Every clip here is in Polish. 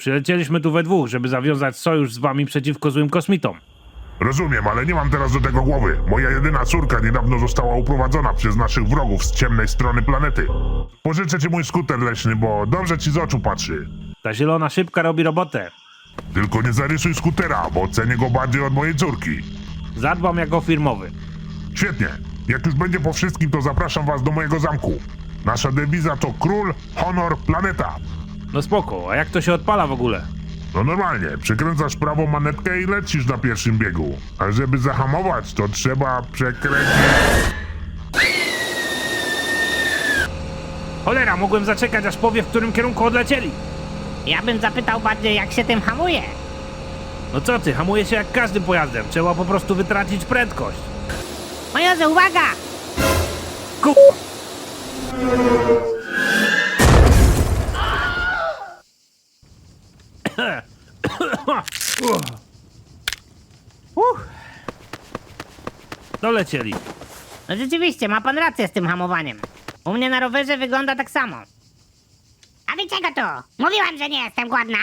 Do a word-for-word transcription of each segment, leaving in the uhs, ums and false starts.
Przylecieliśmy tu we dwóch, żeby zawiązać sojusz z wami przeciwko złym kosmitom. Rozumiem, ale nie mam teraz do tego głowy. Moja jedyna córka niedawno została uprowadzona przez naszych wrogów z ciemnej strony planety. Pożyczę ci mój skuter leśny, bo dobrze ci z oczu patrzy. Ta zielona szybka robi robotę. Tylko nie zarysuj skutera, bo cenię go bardziej od mojej córki. Zadbam jako firmowy. Świetnie. Jak już będzie po wszystkim, to zapraszam was do mojego zamku. Nasza dewiza to król, honor, planeta. No spoko, a jak to się odpala w ogóle? No normalnie, przykręcasz prawą manetkę i lecisz na pierwszym biegu. A żeby zahamować, to trzeba przekręcić... Cholera, mogłem zaczekać, aż powie, w którym kierunku odlecieli. Ja bym zapytał bardziej, jak się tym hamuje. No co ty, hamuje się jak każdym pojazdem. Trzeba po prostu wytracić prędkość. Majorze, uwaga! Ku... Uff. Dolecieli. No rzeczywiście, ma pan rację z tym hamowaniem. U mnie na rowerze wygląda tak samo. A wy czego tu? Mówiłam, że nie jestem głodna.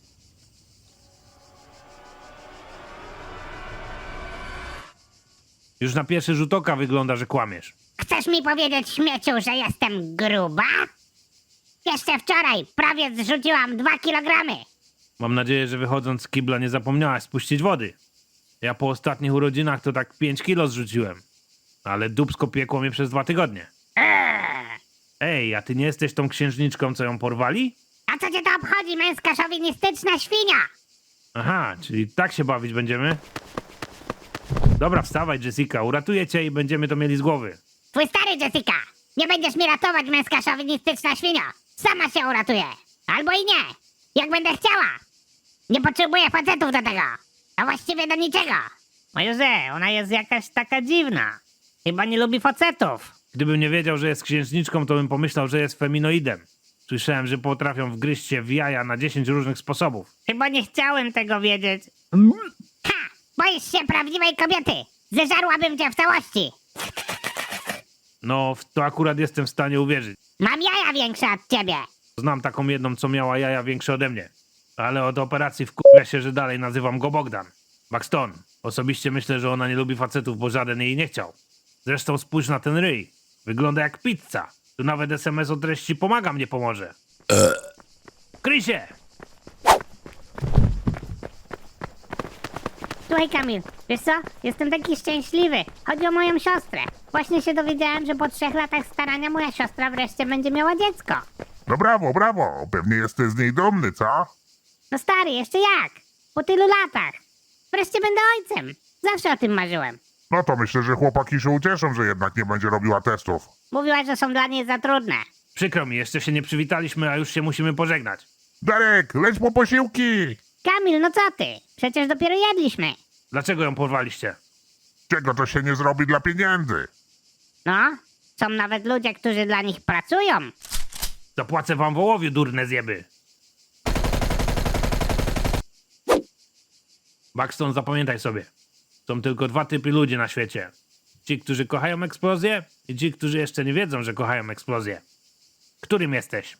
Już na pierwszy rzut oka wygląda, że kłamiesz. Chcesz mi powiedzieć, śmieciu, że jestem gruba? Jeszcze wczoraj prawie zrzuciłam dwa kilogramy. Mam nadzieję, że wychodząc z kibla nie zapomniałaś spuścić wody. Ja po ostatnich urodzinach to tak pięć kilo zrzuciłem. Ale dupsko piekło mnie przez dwa tygodnie. Eee. Ej, a ty nie jesteś tą księżniczką, co ją porwali? A co cię to obchodzi, męska szowinistyczna świnia? Aha, czyli tak się bawić będziemy? Dobra, wstawaj, Jessica, uratuję cię i będziemy to mieli z głowy. Twój stary, Jessica! Nie będziesz mi ratować, męska szowinistyczna świnia! Sama się uratuje! Albo i nie! Jak będę chciała! Nie potrzebuję facetów do tego! A właściwie do niczego! Majorze, ona jest jakaś taka dziwna. Chyba nie lubi facetów. Gdybym nie wiedział, że jest księżniczką, to bym pomyślał, że jest feminoidem. Słyszałem, że potrafią wgryźć się w jaja na dziesięć różnych sposobów. Chyba nie chciałem tego wiedzieć. Ha! Boisz się prawdziwej kobiety! Zeżarłabym cię w całości! No, w to akurat jestem w stanie uwierzyć. Mam jaja większe od ciebie! Znam taką jedną, co miała jaja większe ode mnie. Ale od operacji wkurwia się, że dalej nazywam go Bogdan. Buxton. Osobiście myślę, że ona nie lubi facetów, bo żaden jej nie chciał. Zresztą spójrz na ten ryj. Wygląda jak pizza. Tu nawet es em es o treści pomagam nie pomoże. Kryj się! Słuchaj, Kamil, wiesz co? Jestem taki szczęśliwy. Chodzi o moją siostrę. Właśnie się dowiedziałem, że po trzech latach starania moja siostra wreszcie będzie miała dziecko. No brawo, brawo. Pewnie jesteś z niej dumny, co? No stary, jeszcze jak? Po tylu latach. Wreszcie będę ojcem. Zawsze o tym marzyłem. No to myślę, że chłopaki się ucieszą, że jednak nie będzie robiła testów. Mówiłaś, że są dla niej za trudne. Przykro mi, jeszcze się nie przywitaliśmy, a już się musimy pożegnać. Darek, leć po posiłki! Kamil, no co ty? Przecież dopiero jedliśmy. Dlaczego ją porwaliście? Czego to się nie zrobi dla pieniędzy? No, są nawet ludzie, którzy dla nich pracują. Zapłacę wam wołowiu, durne zjeby. Buxton, zapamiętaj sobie. Są tylko dwa typy ludzi na świecie. Ci, którzy kochają eksplozję i ci, którzy jeszcze nie wiedzą, że kochają eksplozję. Którym jesteś?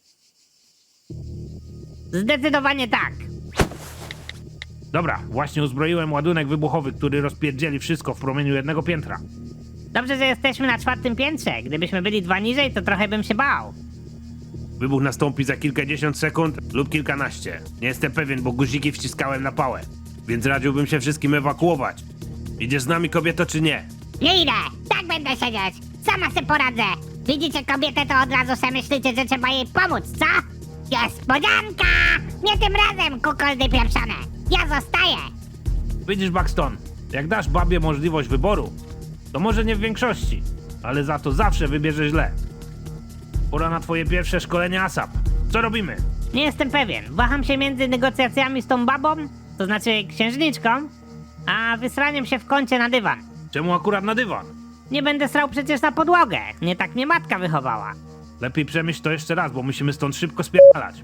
Zdecydowanie tak. Dobra, właśnie uzbroiłem ładunek wybuchowy, który rozpierdzieli wszystko w promieniu jednego piętra. Dobrze, że jesteśmy na czwartym piętrze. Gdybyśmy byli dwa niżej, to trochę bym się bał. Wybuch nastąpi za kilkadziesiąt sekund lub kilkanaście. Nie jestem pewien, bo guziki wciskałem na pałę. Więc radziłbym się wszystkim ewakuować. Idziesz z nami, kobieto, czy nie? Nie idę! Tak będę siedzieć! Sama se poradzę! Widzicie kobietę, to od razu se myślicie, że trzeba jej pomóc, co? Niespodzianka! Nie tym razem, kukoldy pieprzone! Ja zostaję! Widzisz, Buxton, jak dasz babie możliwość wyboru, to może nie w większości, ale za to zawsze wybierze źle. Pora na twoje pierwsze szkolenie asap. Co robimy? Nie jestem pewien. Waham się między negocjacjami z tą babą, to znaczy księżniczką, a wysraniem się w kącie na dywan. Czemu akurat na dywan? Nie będę srał przecież na podłogę. Nie tak mnie matka wychowała. Lepiej przemyśl to jeszcze raz, bo musimy stąd szybko spierdalać.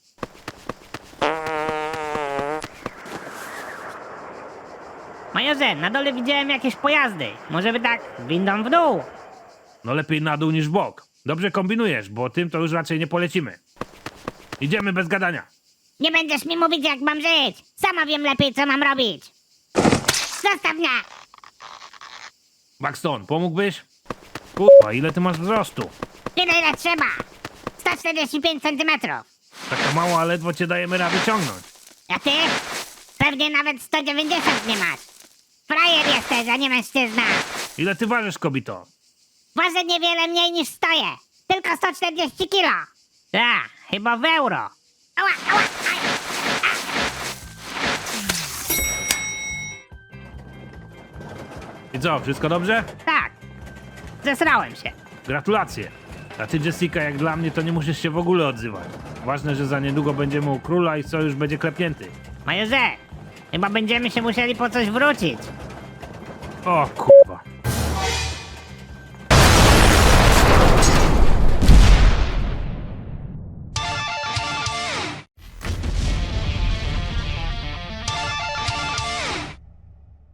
Majorze, na dole widziałem jakieś pojazdy. Może by tak windą w dół. No lepiej na dół niż w bok. Dobrze kombinujesz, bo tym to już raczej nie polecimy. Idziemy bez gadania. Nie będziesz mi mówić, jak mam żyć. Sama wiem lepiej, co mam robić. Zostaw mnie. Buxton, pomógłbyś? Kurwa, ile ty masz wzrostu? Tyle, ile trzeba. sto czterdzieści pięć centymetrów. Taka mała, a ledwo cię dajemy rady ciągnąć. A ty? Pewnie nawet sto dziewięćdziesiąt nie masz. Frajer jesteś, a nie mężczyzna. Ile ty ważysz, kobito? Ważę niewiele mniej niż stoję. Tylko sto czterdzieści kilo. Tak, chyba w euro. Ała, ała, aj. I co, wszystko dobrze? Tak. Zesrałem się. Gratulacje. A ty, Jessica, jak dla mnie, to nie musisz się w ogóle odzywać. Ważne, że za niedługo będziemy u króla i sojusz będzie klepnięty. Majorze, chyba będziemy się musieli po coś wrócić. O kur...